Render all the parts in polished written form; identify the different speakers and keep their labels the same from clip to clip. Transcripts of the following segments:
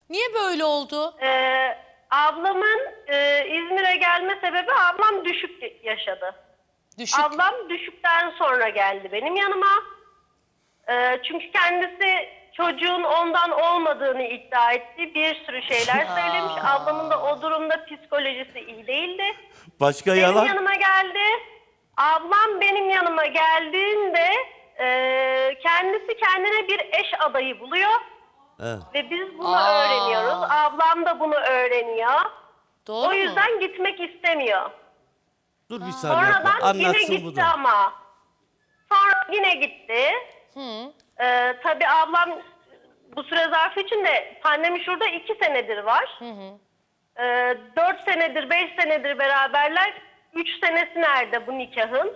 Speaker 1: Niye böyle oldu?
Speaker 2: Ablamın İzmir'e gelme sebebi ablam düşük yaşadı.
Speaker 1: Düşük.
Speaker 2: Ablam düşükten sonra geldi benim yanıma. Çünkü kendisi çocuğun ondan olmadığını iddia etti. Bir sürü şeyler söylemiş. Ablamın da o durumda psikolojisi iyi değildi.
Speaker 3: Başka
Speaker 2: Benim
Speaker 3: yalan?
Speaker 2: yanıma geldi. Ablam benim yanıma geldiğinde kendisi kendine bir eş adayı buluyor.
Speaker 3: Evet.
Speaker 2: Ve biz bunu öğreniyoruz. Ablam da bunu öğreniyor.
Speaker 1: Doğru
Speaker 2: O
Speaker 1: mu?
Speaker 2: yüzden gitmek istemiyor.
Speaker 3: Dur bir saniye.
Speaker 2: Sonradan yine
Speaker 3: Anlatsın bu
Speaker 2: gitti
Speaker 3: da.
Speaker 2: ama. Sonra yine gitti. Tabii ablam bu süre zarfı içinde pandemi şurada 2 senedir var. 4 senedir 5 senedir beraberler. 3 senesi nerede bu nikahın?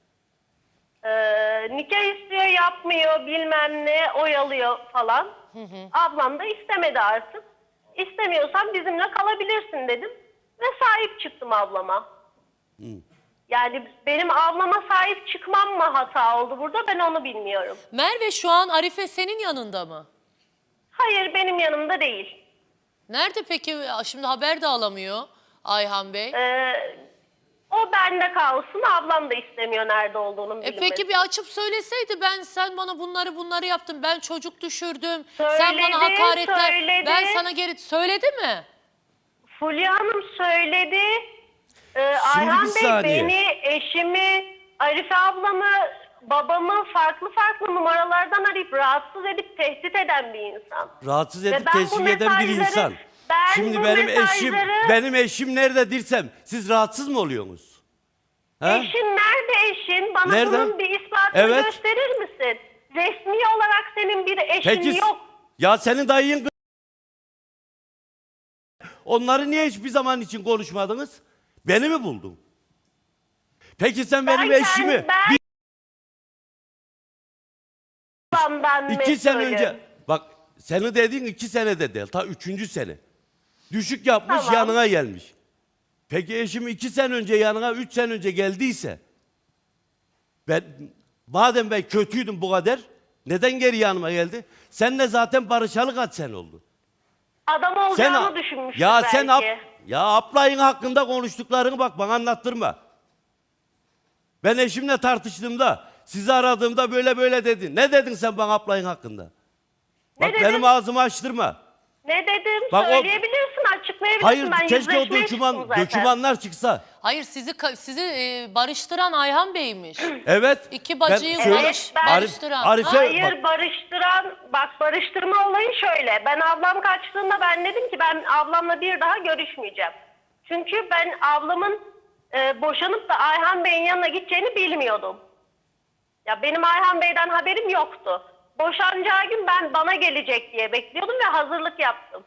Speaker 2: Nikah istiyor yapmıyor bilmem ne oyalıyor falan. Ablam da istemedi artık. İstemiyorsan bizimle kalabilirsin dedim. Ve sahip çıktım ablama. Yani benim ablama sahip çıkmam mı hata oldu burada, ben onu bilmiyorum.
Speaker 1: Merve şu an Arife senin yanında mı?
Speaker 2: Hayır, benim yanımda değil.
Speaker 1: Nerede peki? Şimdi haber de alamıyor Ayhan Bey.
Speaker 2: O bende kalsın, ablam da istemiyor nerede olduğunu bilmesi.
Speaker 1: Peki bir açıp söyleseydi, sen bana bunları yaptın, ben çocuk düşürdüm, sen bana hakaretler,
Speaker 2: söyledi.
Speaker 1: ben sana geri söyledi mi?
Speaker 2: Fulya Hanım söyledi.
Speaker 3: Şimdi
Speaker 2: Ayhan
Speaker 3: bir
Speaker 2: Bey
Speaker 3: saniye.
Speaker 2: beni, eşimi, Arife ablamı, babamı farklı numaralardan arayıp rahatsız edip tehdit eden bir insan.
Speaker 3: Rahatsız
Speaker 2: Ve
Speaker 3: edip
Speaker 2: ben bu
Speaker 3: teşvik eden bir
Speaker 2: mesajları-
Speaker 3: insan.
Speaker 2: ben
Speaker 3: Şimdi
Speaker 2: bu
Speaker 3: benim
Speaker 2: mesajları-
Speaker 3: eşim nerede dirsem siz rahatsız mı oluyorsunuz? He?
Speaker 2: Eşin nerede eşin? Bana
Speaker 3: Nerede?
Speaker 2: bunun bir ispatını
Speaker 3: Evet.
Speaker 2: gösterir misin? Resmi olarak senin bir eşin
Speaker 3: Peki
Speaker 2: yok.
Speaker 3: ya senin dayın onları niye hiçbir zaman için konuşmadınız? Beni mi buldun? Peki sen benim eşimi
Speaker 2: Babamdan
Speaker 3: 2 sene
Speaker 2: mesulüm.
Speaker 3: önce bak senin dediğin 2 senede değil ta 3. sene. Düşük yapmış
Speaker 2: Tamam.
Speaker 3: yanına gelmiş. Peki eşim 2 sene önce yanına 3 sene önce geldiyse madem ben kötüydüm bu kadar neden geri yanıma geldi? Seninle zaten barışalı kaç sene oldu?
Speaker 2: Adam olacağını düşünmüştü
Speaker 3: ya
Speaker 2: belki.
Speaker 3: sen ablayın hakkında konuştuklarını bak bana anlattırma. Ben eşimle tartıştığımda sizi aradığımda böyle dedi. Ne dedin sen bana ablayın hakkında? Bak
Speaker 2: dedim?
Speaker 3: benim ağzımı açtırma.
Speaker 2: Ne dedim?
Speaker 3: Bak
Speaker 2: Söyleyebilirsin, açıklayabilirsin.
Speaker 3: Hayır
Speaker 2: Ben
Speaker 3: keşke o
Speaker 2: yüzleşmeye çıktım zaten.
Speaker 3: dokümanlar çıksa.
Speaker 1: Hayır, sizi barıştıran Ayhan Bey'miş.
Speaker 3: Evet.
Speaker 1: İki bacıyı
Speaker 3: ben-
Speaker 1: barıştıran.
Speaker 3: Arife,
Speaker 2: Hayır, barıştırma olayı şöyle. Ben ablam kaçtığında ben dedim ki ben ablamla bir daha görüşmeyeceğim. Çünkü ben ablamın boşanıp da Ayhan Bey'in yanına gideceğini bilmiyordum. Ya benim Ayhan Bey'den haberim yoktu. Boşanacağı gün ben bana gelecek diye bekliyordum ve hazırlık yaptım.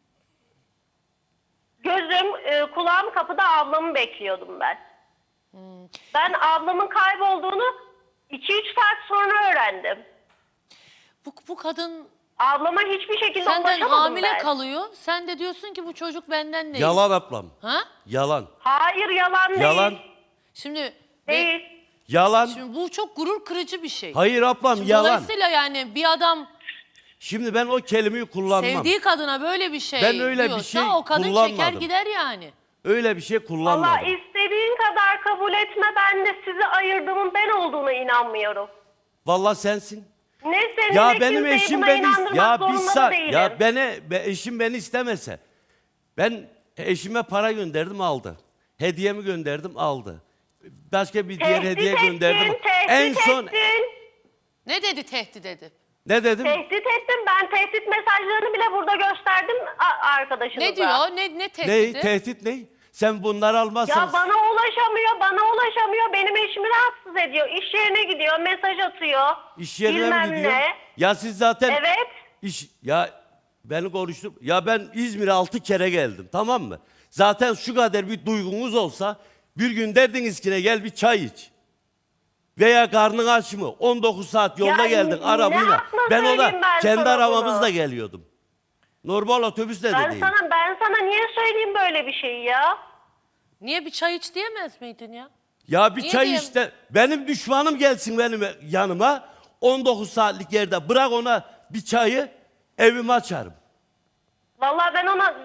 Speaker 2: Gözüm, kulağım kapıda ablamı bekliyordum ben. Ben ablamın kaybolduğunu 2-3 saat sonra öğrendim.
Speaker 1: Bu kadın
Speaker 2: Ablama hiçbir şekilde
Speaker 1: senden
Speaker 2: ulaşamadım
Speaker 1: hamile
Speaker 2: ben.
Speaker 1: kalıyor. Sen de diyorsun ki bu çocuk benden değil.
Speaker 3: yalan ablam.
Speaker 1: Ha?
Speaker 3: Yalan.
Speaker 2: Hayır, yalan değil.
Speaker 3: Yalan.
Speaker 1: Şimdi
Speaker 2: Değil.
Speaker 3: Yalan.
Speaker 1: Şimdi bu çok gurur kırıcı bir şey.
Speaker 3: Hayır ablam
Speaker 1: Şimdi
Speaker 3: yalan.
Speaker 1: Dolayısıyla yani bir adam
Speaker 3: Şimdi ben o kelimeyi kullanmam.
Speaker 1: sevdiği kadına böyle bir şey
Speaker 3: Ben öyle bir
Speaker 1: diyorsa
Speaker 3: şey
Speaker 1: o kadın çeker
Speaker 3: kullanmadım.
Speaker 1: gider yani.
Speaker 3: Öyle bir şey
Speaker 2: Valla
Speaker 3: kullanmadım.
Speaker 2: istediğin kadar kabul etme, ben de sizi ayırdığımın ben olduğuna inanmıyorum.
Speaker 3: Vallahi sensin.
Speaker 2: Ne senin
Speaker 3: Ya
Speaker 2: ne
Speaker 3: benim
Speaker 2: kimseyi
Speaker 3: eşim
Speaker 2: buna
Speaker 3: beni
Speaker 2: inandırmak
Speaker 3: ya bir
Speaker 2: zorunda da
Speaker 3: saat
Speaker 2: değilim.
Speaker 3: ya eşim beni istemese ben eşime para gönderdim aldı. Hediyemi gönderdim aldı. Başka bir diğer
Speaker 2: Tehdit
Speaker 3: hediye
Speaker 2: ettin,
Speaker 3: gönderdim.
Speaker 2: tehdit
Speaker 3: En son
Speaker 2: ettin.
Speaker 1: Ne dedi tehdit edip?
Speaker 3: ne dedim?
Speaker 2: Tehdit ettim. Ben tehdit mesajlarını bile burada gösterdim arkadaşınıza.
Speaker 1: Ne diyor? Ne
Speaker 3: Ne
Speaker 1: tehdidi?
Speaker 3: tehdit ne? Sen bunları almazsan
Speaker 2: Ya bana ulaşamıyor. Benim eşimi rahatsız ediyor. İş yerine gidiyor, mesaj atıyor.
Speaker 3: iş yerine mi
Speaker 2: bilmem
Speaker 3: gidiyor?
Speaker 2: ne.
Speaker 3: Ya siz zaten
Speaker 2: Evet.
Speaker 3: ya beni konuştum. Ya ben İzmir'e 6 kere geldim tamam mı? Zaten şu kadar bir duygunuz olsa bir gün derdiniz ki ne gel bir çay iç. Veya karnın aç mı? 19 saat yolda
Speaker 2: Ya
Speaker 3: geldin
Speaker 2: ne
Speaker 3: arabayla.
Speaker 2: hakla
Speaker 3: Ben ona
Speaker 2: söyleyeyim ben
Speaker 3: kendi
Speaker 2: sana
Speaker 3: arabamızla
Speaker 2: bunu?
Speaker 3: geliyordum. Normal otobüsle de değil.
Speaker 2: Ben sana niye söyleyeyim böyle bir şeyi ya?
Speaker 1: Niye bir çay iç diyemez miydin ya?
Speaker 3: Ya bir
Speaker 1: Niye
Speaker 3: çay
Speaker 1: diyeyim?
Speaker 3: işte. Benim düşmanım gelsin benim yanıma. 19 saatlik yerde bırak ona bir çayı evime açarım.
Speaker 2: Vallahi ben ona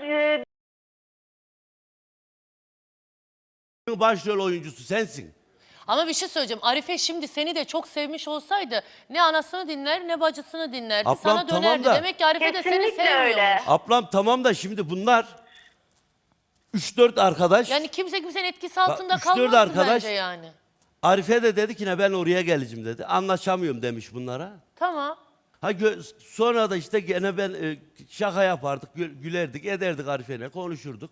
Speaker 3: Başrol oyuncusu sensin.
Speaker 1: Ama bir şey söyleyeceğim. Arife şimdi seni de çok sevmiş olsaydı ne anasını dinler ne bacısını dinlerdi.
Speaker 3: Ablam,
Speaker 1: Sana
Speaker 3: tamam
Speaker 1: dönerdi.
Speaker 3: da-
Speaker 1: Demek ki Arife de seni
Speaker 2: Kesinlikle
Speaker 1: sevmiyormuş.
Speaker 2: öyle.
Speaker 3: Ablam tamam da şimdi bunlar 3-4 arkadaş.
Speaker 1: Yani kimse kimsenin etkisi altında
Speaker 3: 3-4
Speaker 1: kalmazdı
Speaker 3: arkadaş-
Speaker 1: bence yani.
Speaker 3: Arife de dedi ki ne ben oraya geleceğim dedi. Anlaşamıyorum demiş bunlara.
Speaker 1: Tamam.
Speaker 3: Sonra da işte gene ben şaka yapardık, gülerdik, ederdik Arife'yle, konuşurduk.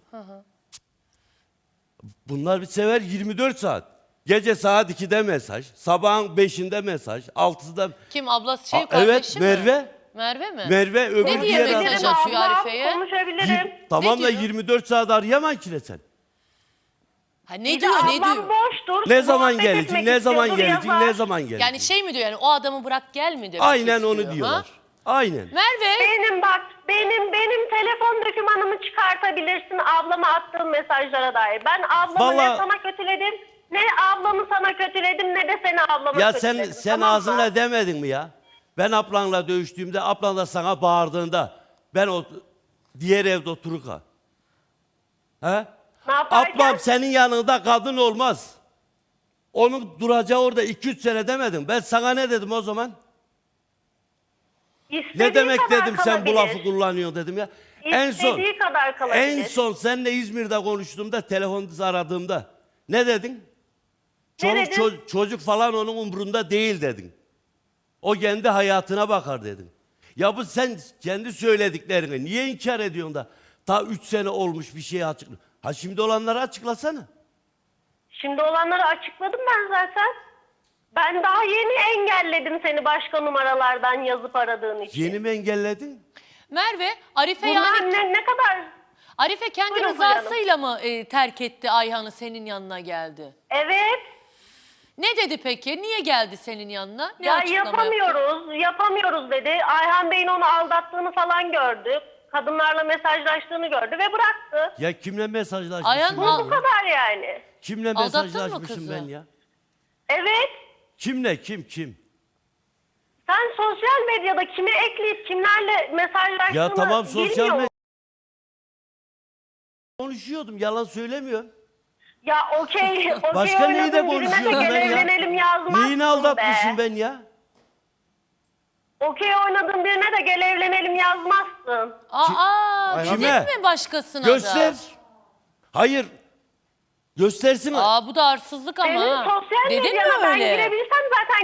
Speaker 3: Bunlar bir sever 24 saat. Gece saat 2'de mesaj, sabahın 5'inde mesaj, 6'da...
Speaker 1: Kim ablası şey
Speaker 3: Aa,
Speaker 1: kardeşi
Speaker 3: evet,
Speaker 1: mi?
Speaker 3: Merve.
Speaker 1: Merve mi?
Speaker 3: Merve öbür
Speaker 1: Ne diye
Speaker 3: diğer
Speaker 1: mesaj
Speaker 3: arkadaş.
Speaker 1: atıyor
Speaker 2: ablam,
Speaker 1: Arife'ye?
Speaker 2: konuşabilirim.
Speaker 3: Tamam
Speaker 1: Ne
Speaker 3: da
Speaker 1: diyor?
Speaker 3: 24 saat arayamam ki ne sen.
Speaker 1: Ha, ne
Speaker 2: Bir de
Speaker 1: diyor ne
Speaker 2: ablam
Speaker 1: diyor?
Speaker 2: boştur.
Speaker 3: Ne zaman
Speaker 2: muhabbet
Speaker 3: geleceksin,
Speaker 2: etmek
Speaker 3: ne zaman
Speaker 2: istiyordur,
Speaker 3: geleceksin,
Speaker 2: yazar.
Speaker 3: ne zaman geleceksin.
Speaker 1: Yani şey mi diyor yani o adamı bırak gel mi demek
Speaker 3: Aynen
Speaker 1: istiyor,
Speaker 3: onu
Speaker 1: ha?
Speaker 3: diyorlar. Aynen.
Speaker 1: Merve
Speaker 2: Benim bak, benim telefon dokümanımı çıkartabilirsin ablama attığım mesajlara dair. Ben ablamı ne
Speaker 3: Vallahi-
Speaker 2: sana kötüledim, ne ablamı sana kötüledim, ne de seni ablama
Speaker 3: Ya
Speaker 2: kötüledim.
Speaker 3: sen
Speaker 2: tamam mı?
Speaker 3: ağzınla demedin mi ya? Ben ablanla dövüştüğümde, ablan da sana bağırdığında ben o diğer evde otururken. He?
Speaker 2: Ne yaparken?
Speaker 3: Ablam senin yanında kadın olmaz. Onun duracağı orada 2-3 sene demedim. Ben sana ne dedim o zaman?
Speaker 2: İstediği
Speaker 3: Ne demek
Speaker 2: kadar
Speaker 3: dedim sen bu
Speaker 2: kalabilir.
Speaker 3: lafı kullanıyorsun dedim ya.
Speaker 2: İstediği kadar kalabilir.
Speaker 3: En son seninle İzmir'de konuştuğumda, telefonda aradığımda ne dedin?
Speaker 2: Ne dedim?
Speaker 3: Çocuk falan onun umrunda değil dedin. O kendi hayatına bakar dedin. Ya bu sen kendi söylediklerini niye inkar ediyorsun da ta 3 sene olmuş bir şeyi açıkla. Ha şimdi olanları açıklasana.
Speaker 2: Şimdi olanları açıkladım ben zaten. Ben daha yeni engelledim seni başka numaralardan yazıp aradığın için.
Speaker 3: Yeni mi engelledin?
Speaker 1: Merve Arife
Speaker 2: Bunlar
Speaker 1: yani
Speaker 2: ne kadar...
Speaker 1: Arife kendi
Speaker 2: Buyurun,
Speaker 1: rızasıyla mı terk etti Ayhan'ı senin yanına geldi?
Speaker 2: Evet.
Speaker 1: Ne dedi peki? Niye geldi senin yanına? Ne
Speaker 2: Ya
Speaker 1: açıklama yaptı?
Speaker 2: yapamıyoruz dedi. Ayhan Bey'in onu aldattığını falan gördü. Kadınlarla mesajlaştığını gördü ve bıraktı.
Speaker 3: Ya kimle mesajlaşmışım
Speaker 1: Ayhan
Speaker 3: ben
Speaker 1: al-
Speaker 3: ya?
Speaker 2: Bu kadar yani.
Speaker 3: Kimle
Speaker 1: Aldattın mı
Speaker 3: mesajlaşmışım
Speaker 1: kızı?
Speaker 3: ben ya?
Speaker 2: Evet.
Speaker 3: Kimle kim?
Speaker 2: Sen sosyal medyada kimi ekleyip kimlerle mesajlaştığını
Speaker 3: Ya tamam sosyal
Speaker 2: bilmiyor
Speaker 3: medya
Speaker 2: musun?
Speaker 3: konuşuyordum yalan söylemiyorum.
Speaker 2: Ya okey
Speaker 3: Başka neyi de
Speaker 2: oynadın birine de
Speaker 3: konuşuyordum
Speaker 2: gel
Speaker 3: ben ya?
Speaker 2: evlenelim yazmazsın
Speaker 3: Neyini aldatmışım
Speaker 2: be.
Speaker 3: ben ya?
Speaker 2: Okey oynadığın birine de gel evlenelim yazmazsın.
Speaker 1: Aa,
Speaker 3: Kime?
Speaker 1: gidip mi başkasına
Speaker 3: Göster.
Speaker 1: da?
Speaker 3: Hayır. Göstersin.
Speaker 1: Aa bu da arsızlık ama.
Speaker 2: Senin
Speaker 1: ha.
Speaker 2: sosyal
Speaker 1: Dedin mi
Speaker 2: medyana ben
Speaker 1: öyle?
Speaker 2: girebilsem zaten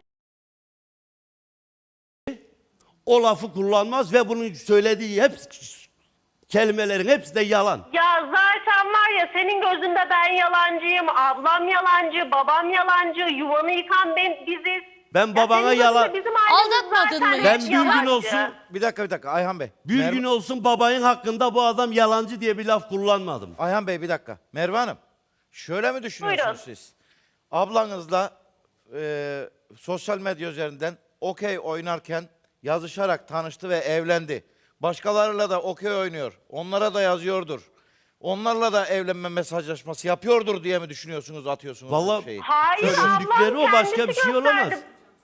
Speaker 3: O lafı kullanmaz ve bunun söylediği hep kelimelerin hepsi de yalan.
Speaker 2: ya zaten var ya senin gözünde ben yalancıyım, ablam yalancı, babam yalancı, yuvanı yıkan biziz.
Speaker 3: Ben
Speaker 2: Ya
Speaker 3: babana
Speaker 2: senin
Speaker 3: yalan-
Speaker 2: gözünde bizim ailemiz
Speaker 1: Aldatmadın
Speaker 2: zaten
Speaker 1: mı
Speaker 3: Ben
Speaker 1: hiç?
Speaker 3: bir gün
Speaker 2: yalancı.
Speaker 3: olsun
Speaker 4: Bir dakika Ayhan Bey.
Speaker 3: bir gün olsun babayın hakkında bu adam yalancı diye bir laf kullanmadım.
Speaker 4: Ayhan Bey bir dakika. Merve Hanım. Şöyle mi düşünüyorsunuz
Speaker 2: Buyurun.
Speaker 4: siz? Ablanızla sosyal medya üzerinden okey oynarken yazışarak tanıştı ve evlendi. Başkalarıyla da okey oynuyor. Onlara da yazıyordur. Onlarla da evlenme mesajlaşması yapıyordur diye mi düşünüyorsunuz, atıyorsunuz
Speaker 3: Vallahi-
Speaker 4: bu şeyi?
Speaker 2: Hayır
Speaker 3: Söyledikleri
Speaker 2: ablam
Speaker 3: o, başka
Speaker 2: kendisi
Speaker 3: bir şey
Speaker 2: gösterdi.
Speaker 3: olamaz.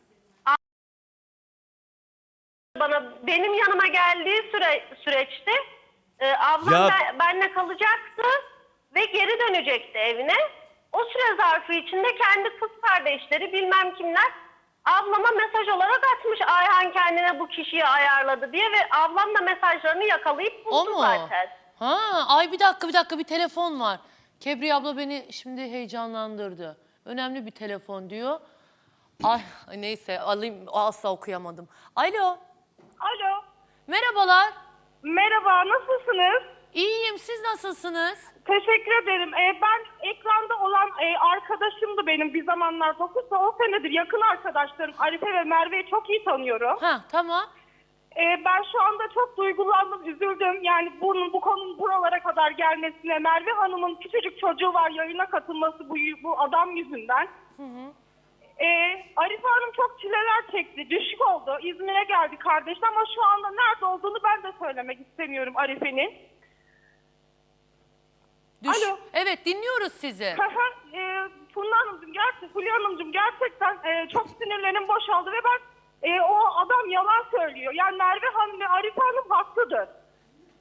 Speaker 2: Bana benim yanıma geldiği süreçte ablam
Speaker 3: Ya-
Speaker 2: benle kalacaktı ve geri dönecekti evine. O süre zarfı içinde kendi kız kardeşleri bilmem kimler ablama mesaj olarak atmış Ayhan kendine bu kişiyi ayarladı diye ve ablam da mesajlarını yakalayıp
Speaker 1: O
Speaker 2: buldu
Speaker 1: mu?
Speaker 2: zaten.
Speaker 1: Ha, ay bir dakika bir telefon var. Kebriye abla beni şimdi heyecanlandırdı. Önemli bir telefon diyor. Ay neyse alayım asla okuyamadım. Alo.
Speaker 5: Alo.
Speaker 1: Merhabalar.
Speaker 5: Merhaba, nasılsınız?
Speaker 1: İyiyim siz nasılsınız?
Speaker 5: Teşekkür ederim. Ben ekranda olan arkadaşımdı benim bir zamanlar. 9-10 senedir yakın arkadaşlarım. Arife ve Merve'yi çok iyi tanıyorum.
Speaker 1: Ha tamam.
Speaker 5: Ben şu anda çok duygulandım, üzüldüm. Yani bu konunun buralara kadar gelmesine. Merve Hanım'ın küçücük çocuğu var, yayına katılması bu adam yüzünden. Arife Hanım çok çileler çekti, düşük oldu. İzmir'e geldi kardeşim ama şu anda nerede olduğunu ben de söylemek istemiyorum Arife'nin. Alo.
Speaker 1: Evet dinliyoruz sizi.
Speaker 5: Fulya Hanımcığım gerçekten çok sinirlerim boşaldı ve ben o adam yalan söylüyor. Yani Merve Hanım ve Arife Hanım haklıdır.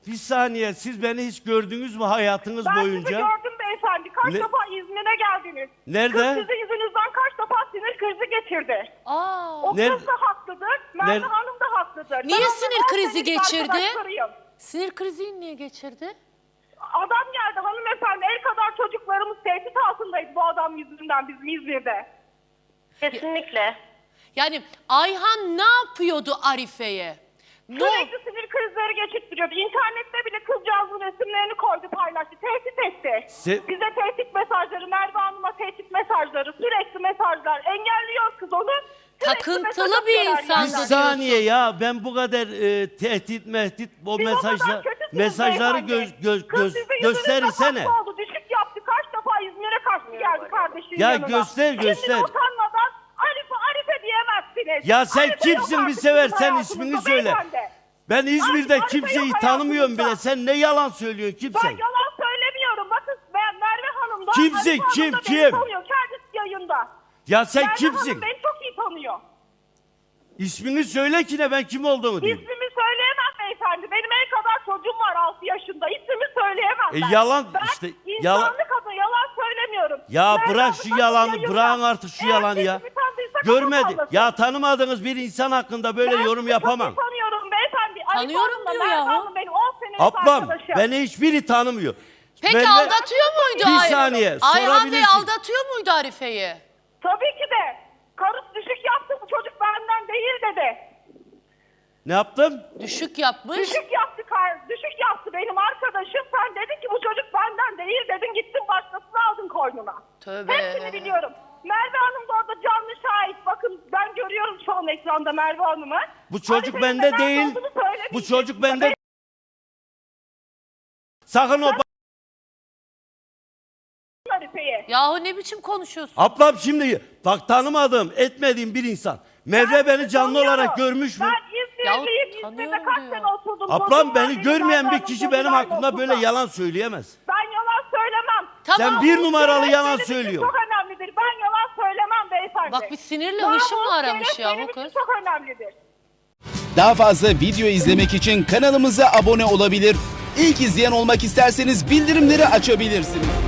Speaker 3: Bir saniye, siz beni hiç gördünüz mü hayatınız
Speaker 5: Ben
Speaker 3: boyunca?
Speaker 5: sizi gördüm beyefendi. Kaç
Speaker 3: Ne-
Speaker 5: defa İzmir'e geldiniz.
Speaker 3: Nerede?
Speaker 5: Kız sizin yüzünüzden kaç defa sinir krizi geçirdi.
Speaker 1: Aa,
Speaker 5: O
Speaker 3: Nerede?
Speaker 5: kız da haklıdır, Merve
Speaker 3: Nerede?
Speaker 5: Hanım da haklıdır.
Speaker 1: Niye
Speaker 5: Ben
Speaker 1: sinir
Speaker 5: onların
Speaker 1: krizi
Speaker 5: 18
Speaker 1: geçirdi?
Speaker 5: arkadaşlarıyım.
Speaker 1: sinir krizi niye geçirdi?
Speaker 5: Adam geldi hanımefendi, el kadar çocuklarımız tehdit altındayız bu adam yüzünden bizim İzmir'de.
Speaker 2: Kesinlikle.
Speaker 1: Yani Ayhan ne yapıyordu Arife'ye?
Speaker 5: Sürekli sinir krizleri geçirtiyordu. İnternette bile kızcağızın resimlerini koydu, paylaştı. Tehdit etti. Bize tehdit mesajları, Merve Hanım'a tehdit mesajları, sürekli mesajlar. Engelliyor kız onu. Sürekli
Speaker 1: Takıntılı
Speaker 5: mesaj
Speaker 1: bir
Speaker 5: atıyorlar
Speaker 1: insan.
Speaker 3: Bir
Speaker 1: Sen de
Speaker 3: saniye
Speaker 1: diyorsun.
Speaker 3: ya, ben bu kadar tehdit o
Speaker 5: Siz o kadar kötüsünüz
Speaker 3: mesajları
Speaker 5: beyefendi. Kız sizin yüzünüzden
Speaker 3: gösterirsene.
Speaker 5: hasta oldu, düşük yaptı. Kaç defa İzmir'e kaçtı geldi kardeşinin
Speaker 3: Ya
Speaker 5: yanına.
Speaker 3: göster.
Speaker 5: Şimdi utanmadan Arife diyemezsiniz.
Speaker 3: Ya sen
Speaker 5: Arife yok
Speaker 3: kimsin bir
Speaker 5: artık
Speaker 3: sever,
Speaker 5: sizin
Speaker 3: sen
Speaker 5: hayatınızda
Speaker 3: ismini söyle.
Speaker 5: beyefendi.
Speaker 3: Ben İzmir'de
Speaker 5: Arife
Speaker 3: kimseyi
Speaker 5: yok
Speaker 3: tanımıyorum bile.
Speaker 5: hayatınızda.
Speaker 3: Sen ne yalan söylüyorsun,
Speaker 5: Ben
Speaker 3: kimsen?
Speaker 5: yalan söylemiyorum. Bakın ben Merve Hanım da
Speaker 3: Kimsin,
Speaker 5: Arife Hanım
Speaker 3: kim,
Speaker 5: da
Speaker 3: kim?
Speaker 5: beni tanıyor. Kendisi yayında.
Speaker 3: Ya sen
Speaker 5: Merve
Speaker 3: kimsin?
Speaker 5: Hanım beni çok iyi tanıyor.
Speaker 3: İsmini söyle ki ne, ben kim olduğumu diyeyim.
Speaker 5: İsmimi söyleyemem beyefendi. Benim en kadar çocuğum var 6 yaşında. İsmimi söyleyemem ben.
Speaker 3: Yalan
Speaker 5: ben
Speaker 3: işte, yalan.
Speaker 5: insanlık adına yalan söylemiyorum.
Speaker 3: Ya
Speaker 5: Merve
Speaker 3: bırak
Speaker 5: Hanım
Speaker 3: şu
Speaker 5: bakın
Speaker 3: yalanı,
Speaker 5: yayında.
Speaker 3: bırakın artık şu
Speaker 5: Eğer
Speaker 3: yalanı ya.
Speaker 5: sesimi tanıdıysa
Speaker 3: Görmedi.
Speaker 5: kapatmasın.
Speaker 3: Ya tanımadığınız bir insan hakkında böyle
Speaker 5: Ben
Speaker 3: yorum
Speaker 5: sizi
Speaker 3: yapamam.
Speaker 5: Çok iyi tanıyorum beyefendi. Arife
Speaker 1: Tanıyorum
Speaker 5: Hanım'la
Speaker 1: diyor
Speaker 5: Merve
Speaker 1: yahu.
Speaker 5: Hanım benim 10 senelik
Speaker 3: Ablam,
Speaker 5: arkadaşım.
Speaker 3: beni hiçbiri tanımıyor.
Speaker 1: Peki
Speaker 3: Merve-
Speaker 1: aldatıyor muydu
Speaker 3: Bir
Speaker 1: Ayhan?
Speaker 3: saniye,
Speaker 1: Ayhan Bey
Speaker 3: sorabilirsin.
Speaker 1: aldatıyor muydu Arife'yi?
Speaker 5: Tabii ki de. Karısı düşük yaptı, bu çocuk benden değil dedi.
Speaker 3: Ne yaptım?
Speaker 1: Düşük yapmış.
Speaker 5: Düşük yaptı benim arkadaşım. Sen dedin ki bu çocuk benden değil dedin, gittin başkasını aldın koynuna.
Speaker 1: Tövbe.
Speaker 5: Hepsini biliyorum. Merve Hanım da orada canlı şahit. Bakın ben görüyorum şu an ekranda Merve Hanım'ı.
Speaker 3: Bu çocuk
Speaker 5: Arife'nin
Speaker 3: bende
Speaker 5: nerede
Speaker 3: değil.
Speaker 5: olduğunu söylemeyecek.
Speaker 3: Bu çocuk bende. Sakın o
Speaker 5: Arife'ye.
Speaker 1: Yahu ne biçim konuşuyorsun?
Speaker 3: Ablam şimdi bak, tanımadığım, etmediğim bir insan. Merve beni canlı
Speaker 5: tanıyorum.
Speaker 3: olarak görmüş mü?
Speaker 5: Ben İzmirliyim. İzmir'de
Speaker 1: tanıyorum
Speaker 5: kaç
Speaker 1: diyor.
Speaker 5: sene oturdum.
Speaker 3: Ablam,
Speaker 5: Çocuğum var
Speaker 3: beni
Speaker 5: benim,
Speaker 3: görmeyen
Speaker 5: Merve
Speaker 3: bir
Speaker 5: Hanım
Speaker 3: kişi benim
Speaker 5: çocuklarla
Speaker 3: hakkımda böyle
Speaker 5: okulda.
Speaker 3: yalan söyleyemez.
Speaker 5: Ben yalan söylemem.
Speaker 1: Tamam.
Speaker 3: Sen bir numaralı
Speaker 5: Namus
Speaker 3: yalan
Speaker 5: benim için
Speaker 3: söylüyorsun.
Speaker 5: Çok önemlidir. Ben yalan söylemem beyefendi.
Speaker 1: Bak bir sinirle
Speaker 5: Namus
Speaker 1: hışımla aramış
Speaker 5: şeref
Speaker 1: ya
Speaker 5: benim
Speaker 1: bu
Speaker 5: için
Speaker 1: kız.
Speaker 5: çok önemlidir.
Speaker 6: Daha fazla video izlemek için kanalımıza abone olabilir. İlk izleyen olmak isterseniz bildirimleri açabilirsiniz.